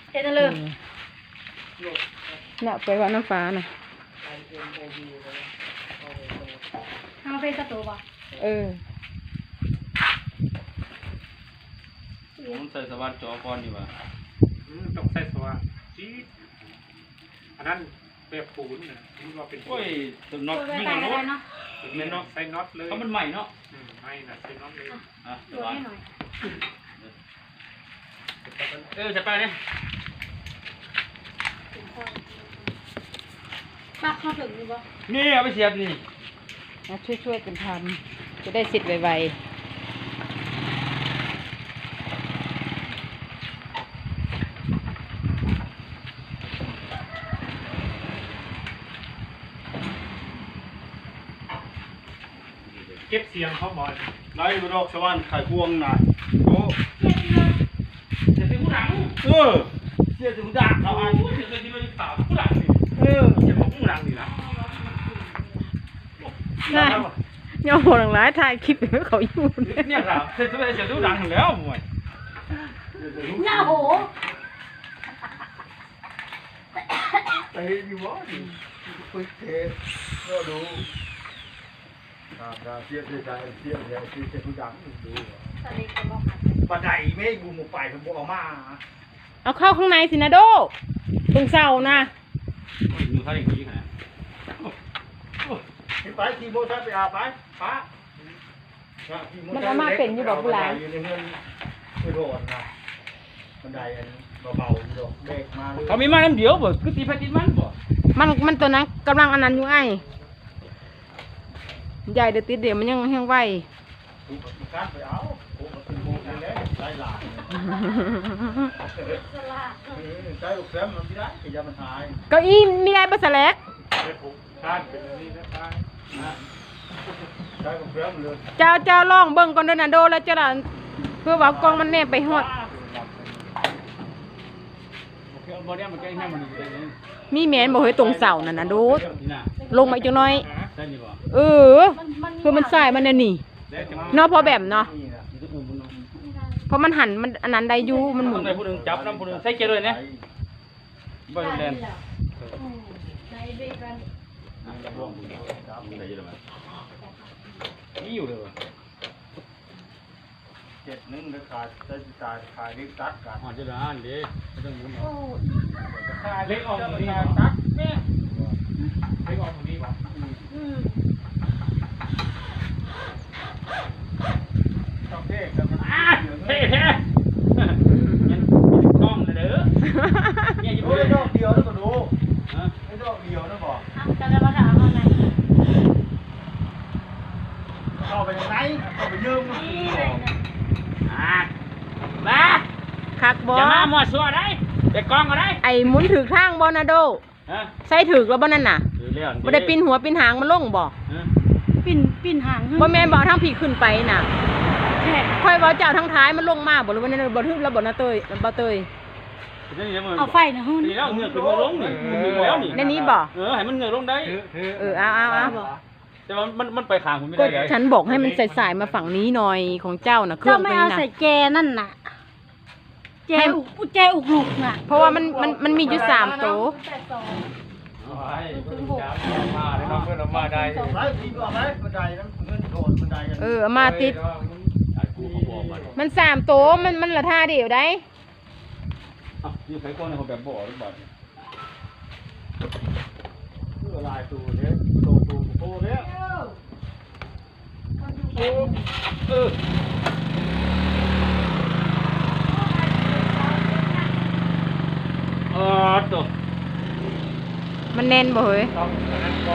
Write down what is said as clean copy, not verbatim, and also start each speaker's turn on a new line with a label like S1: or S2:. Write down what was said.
S1: เฮ็ดเลย
S2: น่ะไปว่าน้ำฟ้าน่ะ
S1: เอาไปสตูป่ะ
S3: ผมใส่สวัสดิ์จอก่อนดีกว่า
S4: ต้องใส่สว่านจี๊ดอันนั้นแบบปูนนะที่ว่าเป็น
S3: โอ้ยตัวน็อต
S1: ไป
S3: ยิ่ง
S1: ตาย
S3: ก
S1: กั
S3: ว่าน น็อต
S1: เนาะ
S4: เป็นน็อตใส่น็อตเลย
S3: เพราะมันใหม่เนาะ
S4: ไม่นะใส่น็อตเลย
S3: อ่ะ
S1: ดูให้หน่อย
S3: จะไปเนี่ย
S1: ปักเข้าถึงอยู่ป่ะ
S3: นี่เอาไปเสียบนี่
S2: ช่วยกันทำจะได้เสร็จไว
S4: เก็บเสียงเขาบ่อย
S5: ไล่ไปดอกสวรรค์ไข่พวงน่ะโอ้
S3: เสียบผู้หลัง
S5: เสียถึงดักเอาอัน
S3: เสียบที่มันขาวผู้หลังนี่
S4: เสียงของผู้หลังนี่นะ
S2: ๆน่าย่อหัวหลังร้ายถ่ายคลิปเขาอยู่
S3: เนี่ยครับเสียบผู้หลังแล้วมวย
S1: หน้าโห
S5: ไปอยู่วะไปเทก็ดูเสียใจเสียถึงดักดูบันไดไม่บูมไปผมบอกมา
S2: เอาเข้าข้างในสินะโดตรงเสานะ
S3: มือเขาอย่างนี้ขนาด
S5: ไปขี่โบชันไปอาไปป้าอยู่ในเงินไปโดนนะบันไดอันเบาๆดอกเด็กมาเลย
S3: เขามีมาน้ำเดียวบ่คือตีไปตีมันบ่
S2: มันตัวนั้นกำลังอันนั้นอยู่ไอ้ใหญ่เดี๋ยวติดเดี๋ยวมันยังไหว
S5: ถูกการไปเอาถูกเป็นโบกันแล้วไล่หลานใช้ลูกแซมมันไม่ได้ขยันมันหาย
S2: เก้าอี้มีได้บัสแลก
S4: เป็นผมคาดเป็นอันนี้นะคาด
S5: ใช้ลูกแซมเลย
S2: เจ้าลองเบิ่งก่อนเด้อนะโดแล้วเจ้าล่ะเพื่อว่ากล้องมันแนบไปฮอด
S3: บ่ได้มันแก้ให้มันอยู่ได้นี่
S2: มีแมนบอกให้ตรงเสานั่นนะโด
S3: นี่น่ะ
S2: ลงมาอีกจังน้อย
S3: ใช่นี่บ่
S2: คือมันสายมันน่ะนี่เนาะพอแบบเนาะเพราะมันหันมันอันนั้นได้อยู่มันหมุ
S3: ต้อน งได้ผู้นึงจับน้ำผู้นึงใส่เกลือเลยนะบ่แลน
S1: ในเบกัน
S3: นี่อยู่เลยว่ะ
S5: 7นึงเลยขาดใช้จ่ายขายเล็กตัดกัน
S3: อ๋อจะได้อ่านดิไม่ต้องมุน
S1: โอ้
S4: เล็กออกตรงนี้ตัดแม่เล็กออกตรงนี้ป่ะ
S5: ต้องเท่กันมัน
S3: เท่แท้ยังกล้องนะเด้อเนี่ยอยู่
S5: โอ้ย
S3: เลย
S5: ดอกเดียวแล้วก็ดู
S3: ฮะ
S5: ไอ้ดอกเดียวนะบอก
S1: กันแล้วมาถามอะไร
S5: เข้าไปยังไงเข้าไปยืม
S1: นี่เลยนะ
S3: มา
S2: คักบ่
S3: จะมาหมดสัวได้ไปกล้องก็ได้
S2: ไอ้หมุนถือข้างบ่นะโด
S3: ฮะ
S2: ใส่ถือแล้วบ่นั่นน่ะ
S3: ถือเรื่อง
S2: บ่ได้ปิ้นหัวปิ้นหางมันลงบ่
S1: ปิ่นหาง
S2: บ่แม่นบ่ทั้งผีขึ้นไปน่ะ
S1: แค่
S2: ค่อยเว้าเจ้าทั้งท้ายมันลงมาบ่หรือว่านั่นบ่ทึบแล้วบ่นะเตยบ่เตย
S1: เอาไฟนะหุ่น
S3: นี่แล้วเงือกขึ้นมาลงนี่ถึงแล้วนี่
S2: ในนี้บ่
S3: ให้มันเงือกลงได้
S2: เอา
S3: แต่ว่ามันไปข้างผมไม่
S2: ก็
S3: ได้ไง
S2: ฉันบอกให้มันสายๆมาฝั่งนี้หน่อยของเจ้าน่ะเครื่
S1: เจ้า
S2: อง
S1: ไม่
S2: ตัว
S1: เอา
S2: นี้น่ะ
S1: ใส่แจนั่นน่ะแจอุกหลุกน่ะ
S2: เพราะว่ามันมีอยู่3ตัว
S3: มาได้น้องเพื่อนมาได้
S5: ไปทีก็ไปบันไดนั้นเงินโดดบันไดกัน
S2: เอามาติดมัน3ตัวมันละท่าเดียวได้
S3: นี่ใครก้อนในเขาแบบบ่อหรือเปล่า
S5: เพื่อลายตูเนี้ยตูเนี้ย
S3: ตัว
S2: มันแน่นบ่เฮ้ย